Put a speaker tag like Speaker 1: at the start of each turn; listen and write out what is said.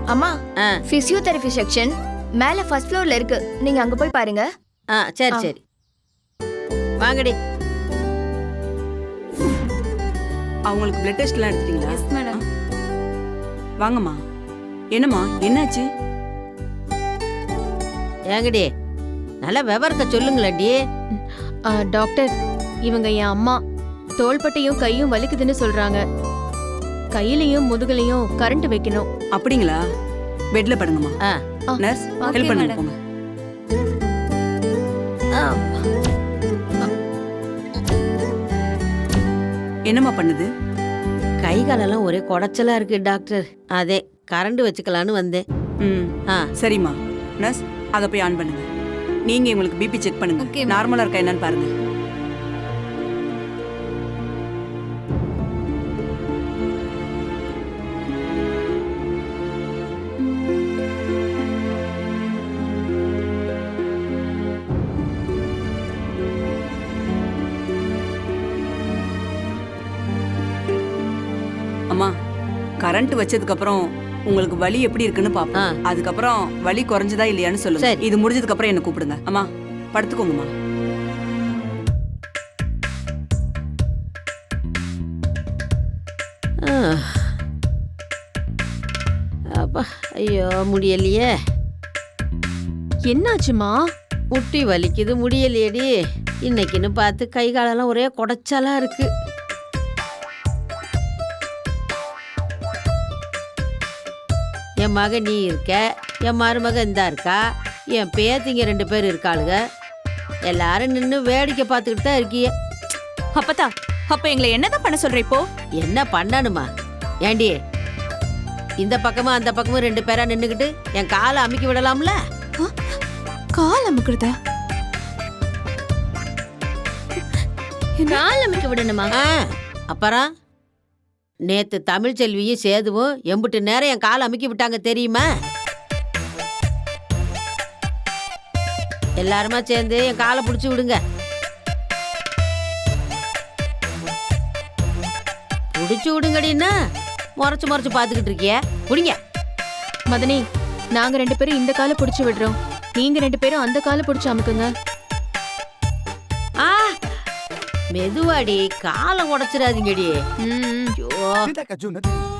Speaker 1: அம்மா physiotherapy section மேல first ஃப்ளோர்ல இருக்கு. நீங்க அங்க போய் பாருங்க.
Speaker 2: சரி சரி வாங்கடி.
Speaker 3: அவங்களுக்கு பிளட் டெஸ்ட் எல்லாம் எடுத்துட்டீங்களா?
Speaker 1: Yes madam.
Speaker 3: வாங்கம்மா. என்னம்மா என்னாச்சு?
Speaker 2: ஏங்கடி நல்ல விவரத்தை சொல்லுங்களேன்டி.
Speaker 4: டாக்டர், இவங்க என் அம்மா. தோள்பட்டையும் கையும் வலிக்குதுன்னு சொல்றாங்க. கையிலையும் முதுகுலையும் கரண்ட் வைக்கணும்.
Speaker 3: அப்படிங்களா? பெட்ல படுங்கம்மா. நர்ஸ் ஹெல்ப் பண்ணுங்க போங்க. என்னம்மா பண்ணுது?
Speaker 2: கை காலெல்லாம் ஒரே குடைச்சலா இருக்கு டாக்டர். அதே கரண்ட் வச்சுக்கலான்னு வந்தேன்.
Speaker 3: சரிம்மா. நர்ஸ் அதை போய் ஆன் பண்ணுங்க. நீங்க உங்களுக்கு பிபி செக் பண்ணுங்க. நார்மலா இருக்கா என்னன்னு பாருங்க. அம்மா, கரண்ட் வச்சதுக்கு அப்புறம் உங்களுக்கு வலி எப்படி இருக்குன்னு பாப்போம். அதுக்கப்புறம் வலி குறைஞ்சதா இல்லையான்னு சொல்லுங்க. இது முடிஞ்சதுக்கு அப்புறம் என்ன கூப்பிடுங்க. அம்மா படுத்துக்கோங்கம்மா.
Speaker 2: அப்பா ஐயோ முடியலையே.
Speaker 4: என்னாச்சுமா?
Speaker 2: முட்டி வலிக்குது, முடியலையேடி. இன்னைக்குன்னு பார்த்து கை காலெல்லாம் ஒரே குடைச்சலா இருக்கு. என் மக நீ இருக்க, என் மருமக இந்தா இருக்கா, என் பேத்திங்க 2 பேர் இருக்காளுங்க. எல்லாரும் நின்று வேடிக்கை பார்த்துக்கிட்டு தான் இருக்கிய.
Speaker 1: அப்பதா, அப்ப எங்களை என்னதான் பண்ண சொல்ற இப்போ?
Speaker 2: என்ன பண்ணணுமா? ஏண்டி இந்த பக்கமும் அந்த பக்கமும் 2 பேரா நின்னுக்கிட்டு என் காலை அமுக்கி விடலாம்ல?
Speaker 1: கால் அமுக்குறதா? கால் அமுக்கி விடணுமா?
Speaker 2: அப்புறம் நேத்து தமிழ் செல்வியும் சேதுவும் எம்பிட்டு நேரம் என் காலை அமுக்கி விட்டாங்க தெரியுமா? எல்லாருமா சேர்ந்து என் காலை பிடிச்சி விடுங்க. பிடிச்சி விடுங்கடின்னா முறைச்சு முறைச்சு பார்த்துக்கிட்டு இருக்கிய. பிடிங்க.
Speaker 4: மதனி, நாங்க 2 பேரும் இந்த காலை பிடிச்சு விடுறோம். நீங்க 2 பேரும் அந்த காலை பிடிச்சு அமுக்குங்க.
Speaker 2: மெதுவாடி, காலை உடைச்சிடாதீங்கடி. ஐயோ